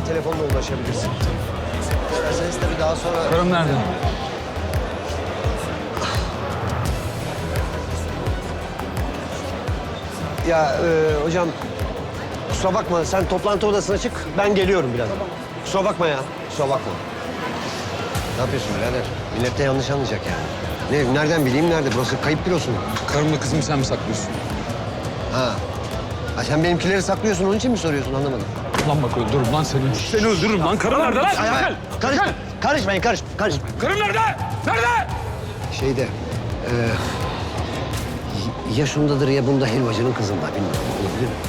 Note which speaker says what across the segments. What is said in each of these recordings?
Speaker 1: telefonla ulaşabilirsin. İsterseniz tabii daha sonra...
Speaker 2: Karım nerede?
Speaker 1: Ya hocam kusura bakma sen toplantı odasına çık. Ben geliyorum biraz. Kusura bakma ya. Kusura bakma. Ne yapıyorsun birader? Millet de yanlış anlayacak yani. Nereden bileyim nerede? Burası kayıp bürosu mu?
Speaker 2: Karımla kızımı sen mi saklıyorsun?
Speaker 1: Ha. Ha sen benimkileri saklıyorsun onun için mi soruyorsun anlamadım.
Speaker 2: Lan bak öldürürüm lan seni. Seni öldürürüm lan. Karım nerede lan? Gel.
Speaker 1: Karışmayın.
Speaker 2: Karım nerede? Nerede?
Speaker 1: Şeyde ya şundadır ya bunda helvacının kızında bilmiyorum. Olabilir mi?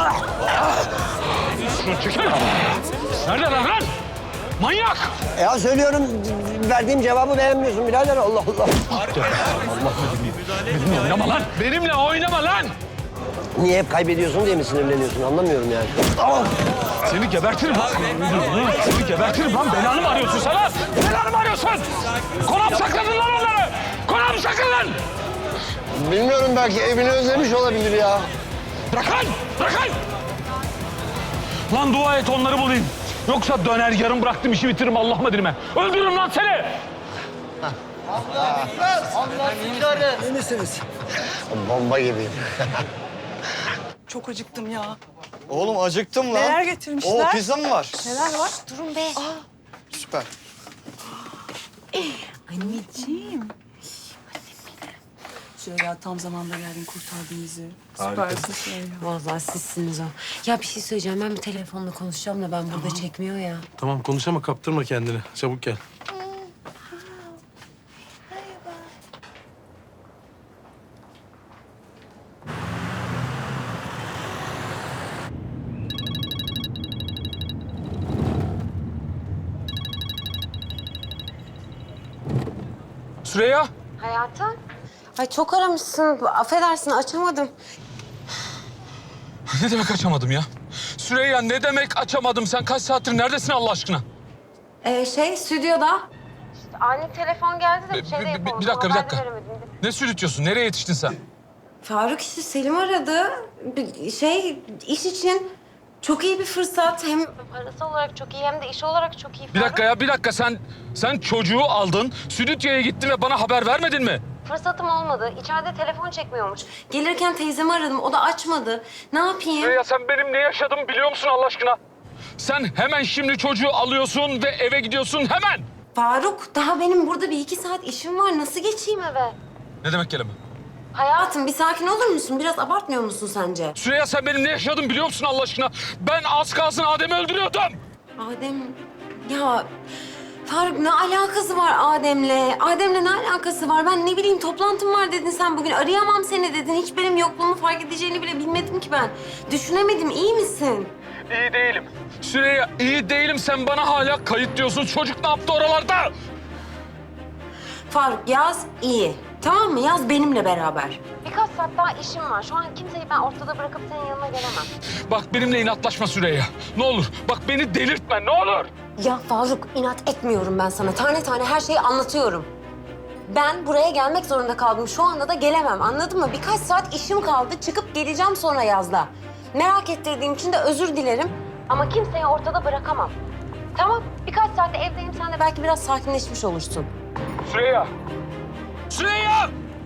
Speaker 2: Şunu çekil. Nerede lan? Manyak!
Speaker 1: Ya söylüyorum verdiğim cevabı beğenmiyorsun birader Allah Allah.
Speaker 2: Benimle oynama lan. Benimle oynama lan.
Speaker 1: Niye hep kaybediyorsun diye mi sinirleniyorsun anlamıyorum yani.
Speaker 2: Seni gebertirim lan. Seni gebertirim lan. Belanı mı arıyorsun sen lan? Belanı mı arıyorsun? Konağa mı sakladın lan onları? Konağa mı sakladın?
Speaker 1: Bilmiyorum belki evini özlemiş olabilir ya.
Speaker 2: Bırakın! Bırakın! Lan dua et onları bulayım. Yoksa döner yarım bıraktım işi bitiririm Allah'ıma dilime. Öldürürüm lan seni!
Speaker 1: İyi misiniz? Bomba gibiyim.
Speaker 3: Çok acıktım ya.
Speaker 4: Oğlum acıktım lan.
Speaker 3: Neler getirmişler?
Speaker 4: Oo pizza mı var?
Speaker 3: Neler var?
Speaker 5: Durun be.
Speaker 4: Süper.
Speaker 3: Anneciğim. Süreyya tam zamanda geldin kurtardın bizi. Süpersin Süreyya.
Speaker 5: Vallahi sizsiniz o. Ya bir şey söyleyeceğim. Ben bir telefonla konuşacağım da ben burada çekmiyor ya.
Speaker 6: Tamam konuş ama kaptırma kendini. Çabuk gel.
Speaker 2: Süreyya!
Speaker 5: Hayatım? Ay çok aramışsın. Affedersin açamadım.
Speaker 2: Ne demek açamadım ya? Süreyya ne demek açamadım? Sen kaç saattir neredesin Allah aşkına?
Speaker 5: Stüdyoda. İşte ani telefon geldi de
Speaker 2: Bir dakika. Ne sürütüyorsun? Nereye yetiştin sen?
Speaker 5: Faruk işte Selim aradı. İş için çok iyi bir fırsat. Hem parası olarak çok iyi hem de iş olarak çok iyi.
Speaker 2: Bir dakika. Sen çocuğu aldın, stüdyoya gittin ve bana haber vermedin mi?
Speaker 5: Fırsatım olmadı. İçeride telefon çekmiyormuş. Gelirken teyzemi aradım. O da açmadı. Ne yapayım?
Speaker 2: Süreyya sen benim ne yaşadığımı biliyor musun Allah aşkına? Sen hemen şimdi çocuğu alıyorsun ve eve gidiyorsun hemen.
Speaker 5: Faruk, daha benim burada bir 2 saat işim var. Nasıl geçeyim eve?
Speaker 2: Ne demek kelime?
Speaker 5: Hayatım bir sakin olur musun? Biraz abartmıyor musun sence?
Speaker 2: Süreyya sen benim ne yaşadığımı biliyor musun Allah aşkına? Ben az kalsın Adem'i öldürüyordum.
Speaker 5: Adem... Ya Faruk ne alakası var Adem'le? Adem'le ne alakası var? Ben ne bileyim toplantım var dedin sen bugün. Arayamam seni dedin. Hiç benim yokluğumu fark edeceğini bile bilmedim ki ben. Düşünemedim. İyi misin?
Speaker 2: İyi değilim. Süreyya iyi değilim. Sen bana hala kayıt diyorsun. Çocuk ne yaptı oralarda?
Speaker 5: Faruk yaz iyi. Tamam mı? Yaz benimle beraber. Birkaç saat daha işim var. Şu an kimseyi ben ortada bırakıp senin yanına gelemem.
Speaker 2: Bak benimle inatlaşma Süreyya. Ne olur. Bak beni delirtme ne olur.
Speaker 5: Ya Faruk inat etmiyorum ben sana. Tane tane her şeyi anlatıyorum. Ben buraya gelmek zorunda kaldım. Şu anda da gelemem. Anladın mı? Birkaç saat işim kaldı. Çıkıp geleceğim sonra yazda. Merak ettirdiğim için de özür dilerim. Ama kimseyi ortada bırakamam. Tamam. Birkaç saatte evdeyim. Sen de belki biraz sakinleşmiş olursun.
Speaker 2: Süreyya. Süreyya!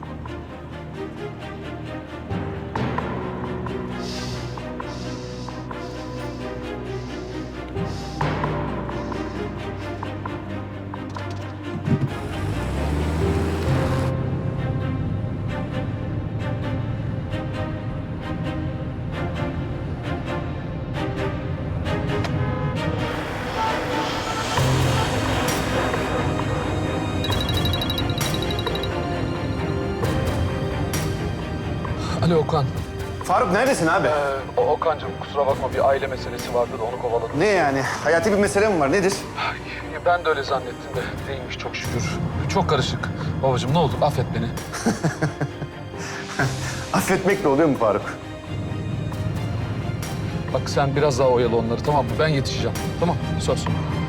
Speaker 2: Alo Okan.
Speaker 4: Faruk neredesin abi?
Speaker 2: Okan'cığım kusura bakma bir aile meselesi vardı da onu kovaladım.
Speaker 4: Ne yani? Hayati bir mesele mi var? Nedir?
Speaker 2: Ben de öyle zannettim de değilmiş çok şükür. Çok karışık. Babacığım ne olur affet beni.
Speaker 4: Affetmekle oluyor mu Faruk?
Speaker 2: Bak sen biraz daha oyalı onları tamam mı? Ben yetişeceğim. Tamam söz.